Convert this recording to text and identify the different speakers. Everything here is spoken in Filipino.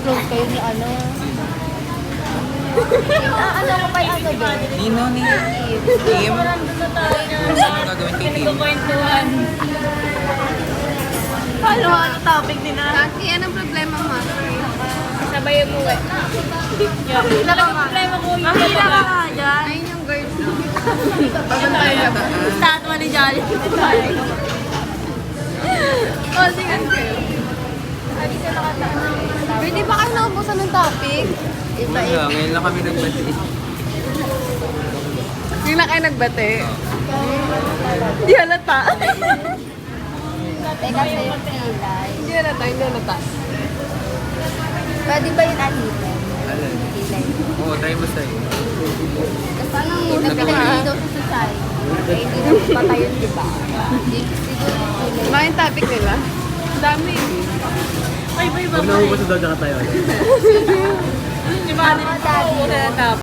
Speaker 1: close kayo ni ano. Ano ko pa yung ano doon?
Speaker 2: Nino ni Kim. Ano gagawin kay Kim?
Speaker 3: Kwentuhan.
Speaker 1: Ano topic din na?
Speaker 3: Kaki, anong problema mo?
Speaker 1: Sabay mo eh.
Speaker 3: Talagang problema ko yung
Speaker 1: Mahila ka nga dyan.
Speaker 3: ayun yung girl no?
Speaker 1: Statwa ni Jolly.
Speaker 3: Holding hands kayo. Pwede ba kayo naubusan ng topic?
Speaker 2: Wala, ngayon lang kami nagbati.
Speaker 3: Yung na kayo nagbate? Hindi halata.
Speaker 1: Teka sa yung pilay.
Speaker 3: Hindi halata.
Speaker 1: Pwede ba yung anitin?
Speaker 2: Alin?
Speaker 1: Pilay.
Speaker 2: Oo, try mo sa'yo.
Speaker 1: Kasi nagpinagin daw sa society. Eh, hindi na patay yun, di ba? Siguro yung pilay.
Speaker 3: Mga yung topic nila? Dami.
Speaker 4: Huwag na ubos na daw dyan tayo.
Speaker 1: Mga daddy.